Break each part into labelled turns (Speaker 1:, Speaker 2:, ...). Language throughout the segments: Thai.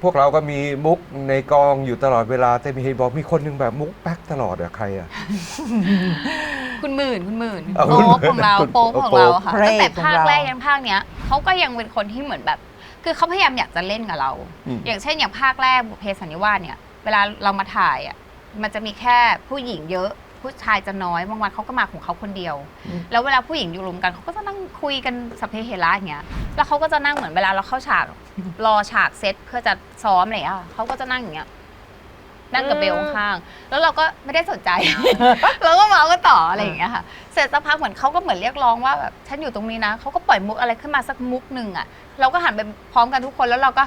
Speaker 1: พวกเราก็มีมุกในกองอยู่ตลอดเวลาแต่มีเห็นบอกมีคนหนึงแบบมุกแป๊กตลอดอะใครอะ
Speaker 2: คุณหมื่น
Speaker 1: เอา
Speaker 2: โป๊ปของเรา
Speaker 1: คุณ
Speaker 2: โป๊ปของเราค่ะ
Speaker 3: พระเอก
Speaker 2: ตั้งแต่ภาค
Speaker 3: ของเรา
Speaker 2: แรกยันภาคเนี้ยเขาก็ยังเป็นคนที่เหมือนแบบ คือเขาพยายามอยากจะเล่นกับเรา อย่างเช่นอย่างภาคแรกบุพเพสันนิวาสเนี่ยเวลาเรามาถ่ายอ่ะมันจะมีแค่ผู้หญิงเยอะผู้ชายจะน้อยบางวันเขาก็มาของเขาคนเดียว แล้วเวลาผู้หญิงอยู่รวมกันเขาก็จะนั่งคุยกันสัพเพเหระอย่างเงี้ยแล้วเขาก็จะนั่งเหมือนเวลาเราเข้าฉากรอฉากเซตเพื่อจะซ้อมอะไรอย่างเงี้ยเขาก็จะนั่งอย่างเงี้ยนั่งกับเบลข้างๆแล้วเราก็ไม่ได้สนใจ เราก็เมาก็ต่ออะไรอย่างเงี้ยค่ะเสร็จสักพักเหมือนเขาก็เหมือนเรียกร้องว่าแบบฉันอยู่ตรงนี้นะเขาก็ปล่อยมุกอะไรขึ้นมาสักมุกหนึ่งอ่ะเราก็หันไปพร้อมกันทุกคนแล้วเราก็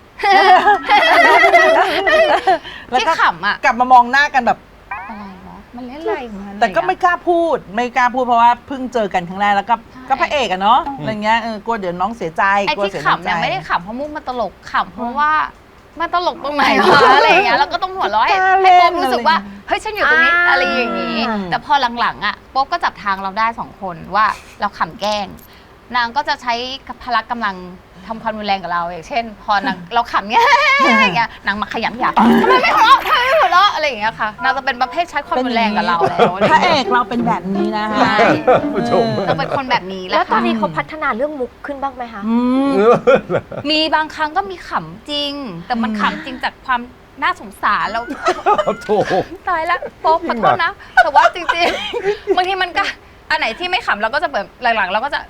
Speaker 2: ที่ขำอ่ะ
Speaker 3: กลับมามองหน้ากันแบบ
Speaker 2: อะไรวะมันเล่นอะไรของมัน
Speaker 3: แต่ก็ไม่กล้าพูดเพราะว่าเพิ่งเจอกันครั้งแรกแล้วก็
Speaker 2: ใช่
Speaker 3: ก็พระเอกอะเนาะอะไรเงี้ยกลัวเดี๋ยวน้องเสียใจ
Speaker 2: ไอ้
Speaker 3: กลัว
Speaker 2: ที่
Speaker 3: เสีย
Speaker 2: ขำเนี่ย
Speaker 3: ใจ
Speaker 2: ไม่ได้ขำเพราะมุกมันตลกขำเพราะว่ามันตลกตรงไหนวะอะไรอย่างเงี้ยแล้วก็ต้องหัวเราะให้โป๊ปรู้สึกว่าเฮ้ยฉันอยู่ตรงนี้อะไรอย่างงี้ แต่พอหลังๆอ่ะโป๊ปก็จับทางเราได้2คนว่าเราขำแกล้งนางก็จะใช้พละกำลังทำความรุนแรงกับเราอย่างเช่น พอนางเราขำเงี้ยอย่างเงี้ยนางมาขยำหยาบทำไมไม่หัวเราะทำไมไม่หัวเราะอะไรอย่างเงี้ยค่ะนางจะเป็นประเภทใช้ความรุนแรงกับเราแล้วอะไรอ
Speaker 3: พ
Speaker 2: ย่าง
Speaker 3: ระเอ
Speaker 2: เงี้ย
Speaker 3: กเราเป็นแบบนี้นะ
Speaker 2: ใช่
Speaker 3: ฮะ
Speaker 1: ผู้ชม
Speaker 2: เราเป็นคนแบบนี้แห
Speaker 4: แล้
Speaker 2: ละ
Speaker 4: วตอน
Speaker 2: ค่ะ
Speaker 4: นี้เขาพัฒนาเรื่องมุกขึ้นบ้างไหมคะ
Speaker 2: มีบางครั้งก็มีขำจริง แต่มันขำจริงจากความน่าสงสารแล้ว
Speaker 1: โถ
Speaker 2: ตายแล้วโป๊กขอโทษนะ แต่ว่าจริงๆ บางทีมันก็อันไหนที่ไม่ขำเราก็จะแบบหลังๆเราก็จะ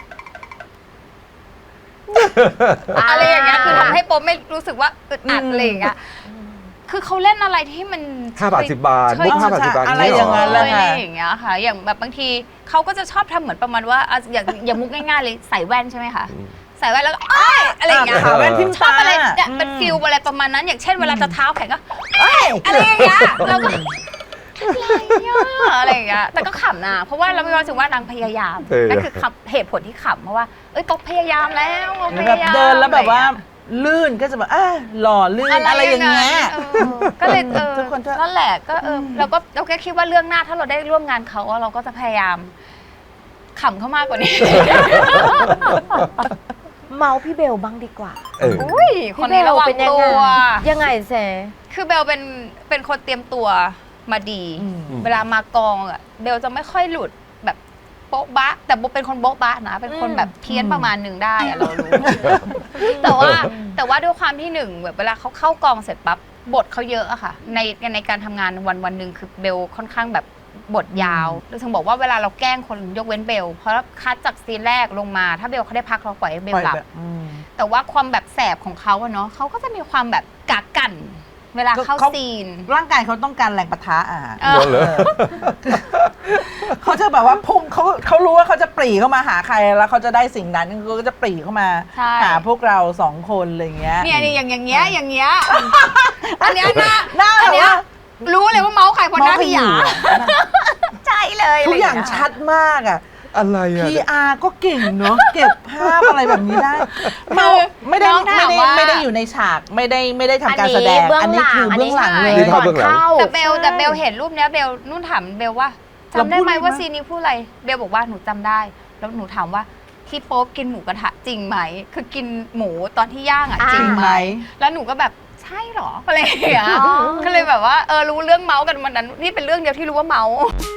Speaker 2: อะไรอย่างเงี้ยคือทำให้โป๊กไม่รู้สึกว่าอึดอัดอะไรอย่างเงี้ยคือเขาเล่นอะไรที่มัน
Speaker 1: 5 บาท 10 บาท
Speaker 2: ใช่
Speaker 1: มุก5 บาท 10 บาท
Speaker 3: อะไร
Speaker 1: นี้
Speaker 3: อย่างนั้น
Speaker 1: เหร
Speaker 3: แล้
Speaker 1: อ
Speaker 3: ว
Speaker 2: อะไรอย่างเงี้ยค่ะ อย่างแบบบางทีเขาก็จะชอบทำเหมือนประมาณว่าอ่ะอย่างมุกง่ายๆเลยใส่แว่นใช่ไหมคะใส่แว่นแล้วก็อ้ายอะไรอย่างเงี้ย
Speaker 3: ขาแว่นทิ่ม
Speaker 2: ชอบ
Speaker 3: ตา
Speaker 2: อะไรเนี่ยเป็นฟิลอะไรประมาณนั้น อย่างเช่นเวลาจะเท้าแข็งก็อะไรอย่างเงี้ยเราก็อะไรอย่างเงี้ยแต่ก็ขำนะเพราะว่าเราไม่รู้สึกว่านางพยายามนั่นคือเหตุผลที่ขำเพราะว่าเอ้ยตกพยายามแล้วพ
Speaker 3: แบบ
Speaker 2: ยายาม
Speaker 3: เดินแล้วแบบว่าลื่นก็จะแบบหล่อลื่นอะไรอย่างเงี้ย
Speaker 2: ก็เลย
Speaker 3: ทุกคนก็
Speaker 2: นั่นแหละก็เราก็คิดว่าเรื่องหน้าถ้าเราได้ร่วมงานเขาเราก็จะพยายามขำเขามากกว่านี้
Speaker 4: เมาพี่เบลบ้างดีกว่า
Speaker 2: อุ้ยคนนี้ระวัง
Speaker 4: เป็นยัง
Speaker 2: ตั
Speaker 4: ไง
Speaker 2: ว
Speaker 4: ยังไงเซ
Speaker 2: คือเบลเป็นคนเตรียมตัวมาดี เวลามากองอ่ะเบลจะไม่ค่อยหลุดแบบโบ๊ะบะแต่โบเป็นคนโบ๊ะบะนะเป็นคนแบบเพี้ยนประมาณหนึ่งได้อะเรารู้ แต่ว่าด้วยความที่หนึ่งแบบเวลาเขาเข้ากองเสร็จปั๊บบทเขาเยอะอะค่ะในการทำงานวันหนึ่งคือเบลค่อนข้างแบบบทยาวเราถึงบอกว่าเวลาเราแกล้งคนยกเว้นเบลเพราะคัดจากซีนแรกลงมาถ้าเบลเขาได้พักเราปล่อยให้เบลหลับ แต่ว่าความแบบแสบของเขาอะเนาะเขาก็จะมีความแบบกากกัน เวลาเข้าซีน
Speaker 3: ร่างกายเขาต้องการแรงปะทะ
Speaker 2: เออ
Speaker 1: เหรอ
Speaker 3: เขาจะแบบว่าพุ่งเขารู้ว่าเขาจะปรีเข้ามาหาใครแล้วเขาจะได้สิ่งนั้นเขาก็จะปรีเข้ามา
Speaker 2: ใช่
Speaker 3: หาพวกเรา2 คนอะไรเงี้ย
Speaker 2: เนี่ยอย่างเงี้ยอันเนี้ย
Speaker 3: หน้า
Speaker 2: อันเนี้ยรู้เลยว่าเมาส์ใครคนหน้าพี่หยา
Speaker 3: เมาส์
Speaker 2: ใช่เลย
Speaker 3: ทุกอย่างชัดมากอ่ะ
Speaker 1: อะไรอะ
Speaker 3: PR ก็เก่งเนาะเก็บภาพอะไรแบบนี้ได้ไม่ได้อยู่ในฉากไม่ได้ทำการแสดงอันนี้คือเบื้องหลังเลย
Speaker 1: นี่ภาพเบื้องหลัง
Speaker 2: แต่เบลเห็นรูปเนี้ยเบลนุ่นถามเบลว่าจำได้ไหมว่าซีนนี้พูดอะไรเบลบอกว่าหนูจำได้ แล้วหนูถามว่าที่โป๊ปกินหมูกระทะจริงไหมคือกินหมูตอนที่ย่างอ่ะจริงไหมแล้วหนูก็แบบใช่หรออะไรอย่างเงี้ยก็เลยแบบว่ารู้เรื่องเมาส์กันวันนั้นนี่เป็นเรื่องเดียวที่รู้ว่าเมาส์